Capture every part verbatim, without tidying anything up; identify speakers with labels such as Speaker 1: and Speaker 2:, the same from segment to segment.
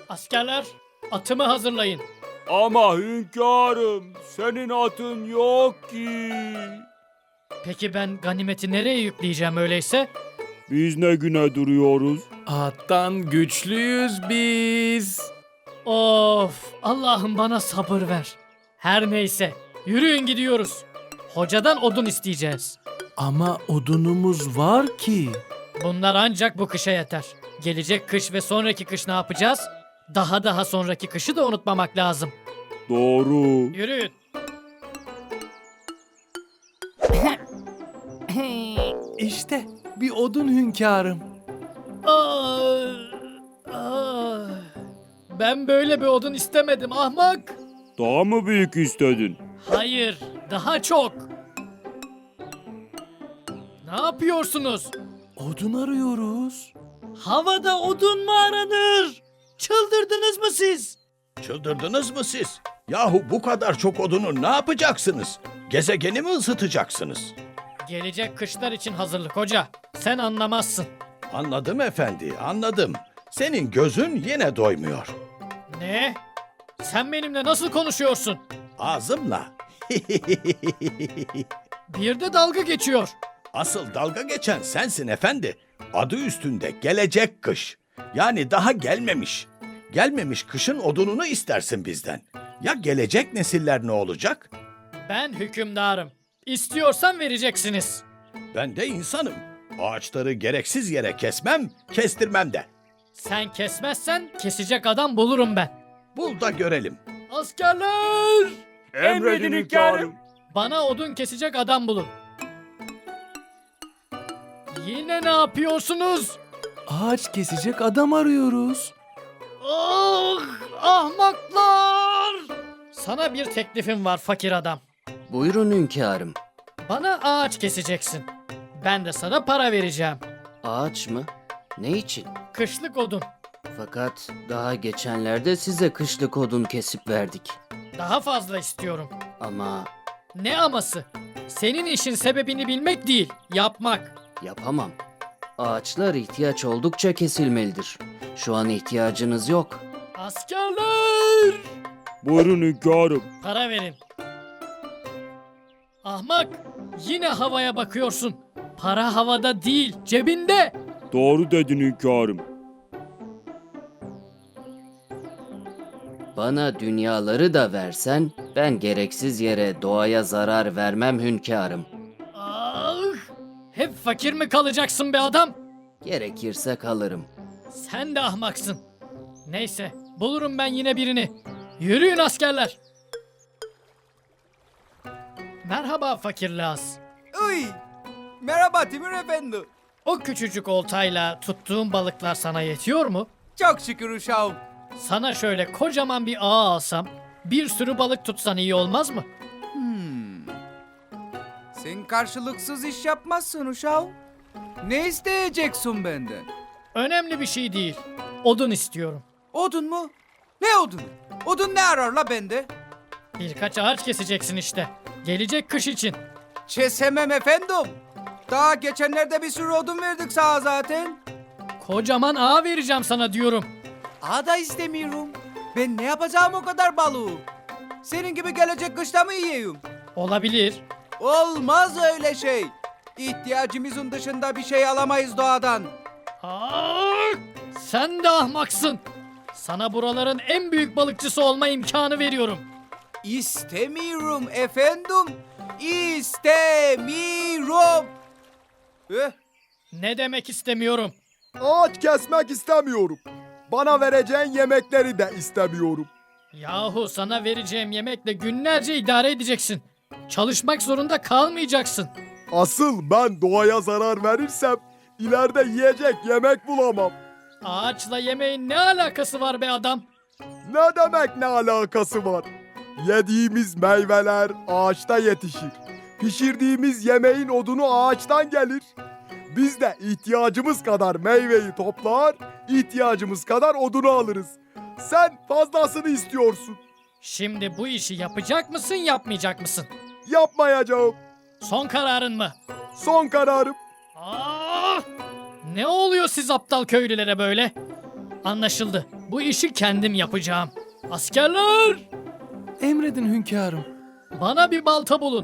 Speaker 1: Askerler, atımı hazırlayın.
Speaker 2: Ama hünkârım, senin atın yok ki.
Speaker 1: Peki ben ganimeti nereye yükleyeceğim öyleyse?
Speaker 2: Biz ne güne duruyoruz?
Speaker 3: Attan güçlüyüz biz.
Speaker 1: Of, Allah'ım bana sabır ver. Her neyse, yürüyün gidiyoruz. Hocadan odun isteyeceğiz.
Speaker 3: Ama odunumuz var ki.
Speaker 1: Bunlar ancak bu kışa yeter. Gelecek kış ve sonraki kış ne yapacağız? Daha daha sonraki kışı da unutmamak lazım.
Speaker 2: Doğru.
Speaker 1: Yürüyün.
Speaker 3: İşte bir odun hünkârım.
Speaker 1: Aa, aa. Ben böyle bir odun istemedim ahmak.
Speaker 2: Daha mı büyük istedin?
Speaker 1: Hayır, daha çok. Ne yapıyorsunuz?
Speaker 3: Odun arıyoruz.
Speaker 1: Havada odun mu aranır? Çıldırdınız mı siz?
Speaker 4: Çıldırdınız mı siz? Yahu bu kadar çok odunu ne yapacaksınız? Gezegeni mi ısıtacaksınız?
Speaker 1: Gelecek kışlar için hazırlık hoca. Sen anlamazsın.
Speaker 4: Anladım efendi, anladım. Senin gözün yine doymuyor.
Speaker 1: Ne? Sen benimle nasıl konuşuyorsun?
Speaker 4: Ağzımla.
Speaker 1: Bir de dalga geçiyor.
Speaker 4: Asıl dalga geçen sensin efendi. Adı üstünde gelecek kış. Yani daha gelmemiş. Gelmemiş kışın odununu istersin bizden. Ya gelecek nesiller ne olacak?
Speaker 1: Ben hükümdarım. İstiyorsan vereceksiniz.
Speaker 4: Ben de insanım. Ağaçları gereksiz yere kesmem, kestirmem de.
Speaker 1: Sen kesmezsen kesecek adam bulurum ben.
Speaker 4: Bul da görelim.
Speaker 1: Askerler!
Speaker 2: Emredin hünkârım.
Speaker 1: Bana odun kesecek adam bulun. Yine ne yapıyorsunuz?
Speaker 3: Ağaç kesecek adam arıyoruz.
Speaker 1: Ah, ahmaklar! Sana bir teklifim var fakir adam.
Speaker 5: Buyurun hünkârım.
Speaker 1: Bana ağaç keseceksin. Ben de sana para vereceğim.
Speaker 5: Ağaç mı? Ne için?
Speaker 1: Kışlık odun.
Speaker 5: Fakat daha geçenlerde size kışlık odun kesip verdik.
Speaker 1: Daha fazla istiyorum.
Speaker 5: Ama
Speaker 1: Ne aması? Senin işin sebebini bilmek değil, yapmak.
Speaker 5: yapamam. Ağaçlar ihtiyaç oldukça kesilmelidir. Şu an ihtiyacınız yok.
Speaker 1: Askerler!
Speaker 2: Buyurun hünkârım.
Speaker 1: Para verin. Ahmak, yine havaya bakıyorsun. Para havada değil, cebinde.
Speaker 2: Doğru dedin hünkârım.
Speaker 5: Bana dünyaları da versen ben gereksiz yere doğaya zarar vermem hünkârım.
Speaker 1: Ah! Hep fakir mi kalacaksın be adam?
Speaker 5: Gerekirse kalırım.
Speaker 1: Sen de ahmaksın. Neyse, bulurum ben yine birini. Yürüyün askerler. Merhaba fakir Laz.
Speaker 6: Uy! Merhaba Timur Efendi.
Speaker 1: O küçücük oltayla tuttuğun balıklar sana yetiyor mu?
Speaker 6: Çok şükür uşağım.
Speaker 1: Sana şöyle kocaman bir ağa alsam, bir sürü balık tutsan iyi olmaz mı?
Speaker 6: Sen karşılıksız iş yapmazsın uşağım. Ne isteyeceksin benden?
Speaker 1: Önemli bir şey değil. Odun istiyorum.
Speaker 6: Odun mu? Ne odun? Odun ne arar la bende?
Speaker 1: Birkaç ağaç keseceksin işte. Gelecek kış için.
Speaker 6: Kesemem efendim. Daha geçenlerde bir sürü odun verdik sana zaten.
Speaker 1: Kocaman ağa vereceğim sana diyorum.
Speaker 6: Ağa da istemiyorum. Ben ne yapacağım o kadar balığı? Senin gibi gelecek kışta mı yiyeyim?
Speaker 1: Olabilir.
Speaker 6: Olmaz öyle şey. İhtiyacımızın dışında bir şey alamayız doğadan.
Speaker 1: Aa, sen de ahmaksın. Sana buraların en büyük balıkçısı olma imkanı veriyorum.
Speaker 6: İstemiyorum efendim. İstemiyorum. Eh,
Speaker 1: Ne demek istemiyorum?
Speaker 7: Ağaç kesmek istemiyorum. Bana vereceğin yemekleri de istemiyorum.
Speaker 1: Yahu sana vereceğim yemekle günlerce idare edeceksin. Çalışmak zorunda kalmayacaksın.
Speaker 7: Asıl ben doğaya zarar verirsem ileride yiyecek yemek bulamam.
Speaker 1: Ağaçla yemeğin ne alakası var be adam?
Speaker 7: Ne demek ne alakası var? Yediğimiz meyveler ağaçta yetişir. Pişirdiğimiz yemeğin odunu ağaçtan gelir. Biz de ihtiyacımız kadar meyveyi toplar, ihtiyacımız kadar odunu alırız. Sen fazlasını istiyorsun.
Speaker 1: Şimdi bu işi yapacak mısın, yapmayacak mısın?
Speaker 7: Yapmayacağım.
Speaker 1: Son kararın mı?
Speaker 7: Son kararım.
Speaker 1: Aa! Ne oluyor siz aptal köylülere böyle? Anlaşıldı. Bu işi kendim yapacağım. Askerler!
Speaker 3: Emredin hünkârım.
Speaker 1: Bana bir balta bulun.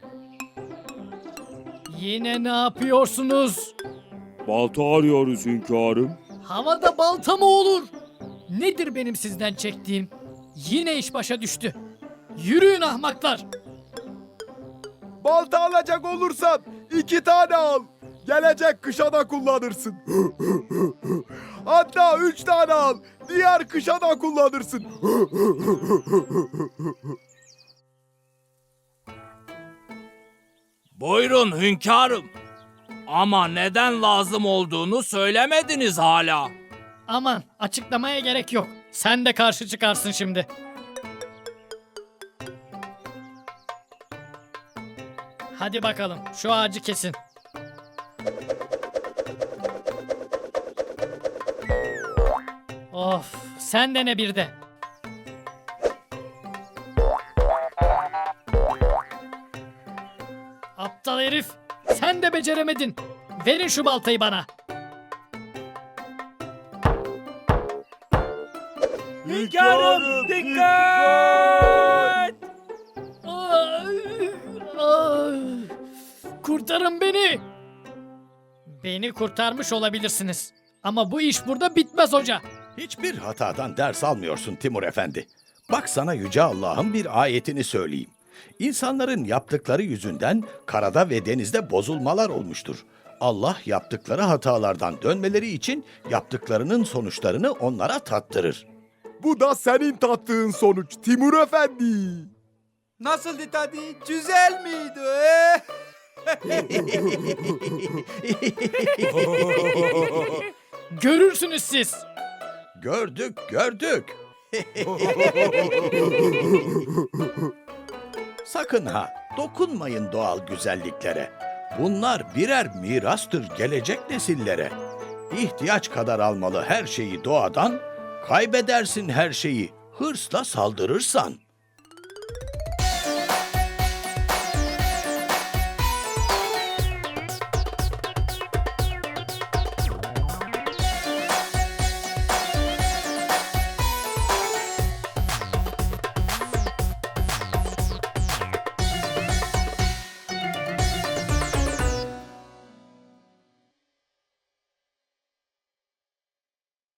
Speaker 1: Yine ne yapıyorsunuz?
Speaker 2: Balta arıyoruz hünkârım.
Speaker 1: Havada balta mı olur? Nedir benim sizden çektiğim? Yine iş başa düştü. Yürüyün ahmaklar.
Speaker 7: Balta alacak olursan iki tane al. Gelecek kışa da kullanırsın. Hatta üç tane al. Diğer kışa da kullanırsın.
Speaker 8: Buyurun hünkârım. Ama neden lazım olduğunu söylemediniz hala.
Speaker 1: Aman açıklamaya gerek yok. Sen de karşı çıkarsın şimdi. Hadi bakalım şu ağacı kesin. Of sen de ne bir de. Aptal herif sen de beceremedin. Verin şu baltayı bana.
Speaker 8: Hünkârım dikkat!
Speaker 1: Ay, ay. Kurtarın beni. Beni kurtarmış olabilirsiniz. Ama bu iş burada bitmez hoca.
Speaker 4: Hiçbir hatadan ders almıyorsun Timur Efendi. Bak sana Yüce Allah'ın bir ayetini söyleyeyim. İnsanların yaptıkları yüzünden karada ve denizde bozulmalar olmuştur. Allah yaptıkları hatalardan dönmeleri için yaptıklarının sonuçlarını onlara tattırır.
Speaker 7: Bu da senin tattığın sonuç Timur Efendi.
Speaker 6: Nasıldı tadı? Güzel miydi? eh?
Speaker 1: Görürsünüz siz.
Speaker 4: Gördük, gördük. Sakın ha, dokunmayın doğal güzelliklere. Bunlar birer mirastır gelecek nesillere. İhtiyaç kadar almalı her şeyi doğadan, kaybedersin her şeyi hırsla saldırırsan.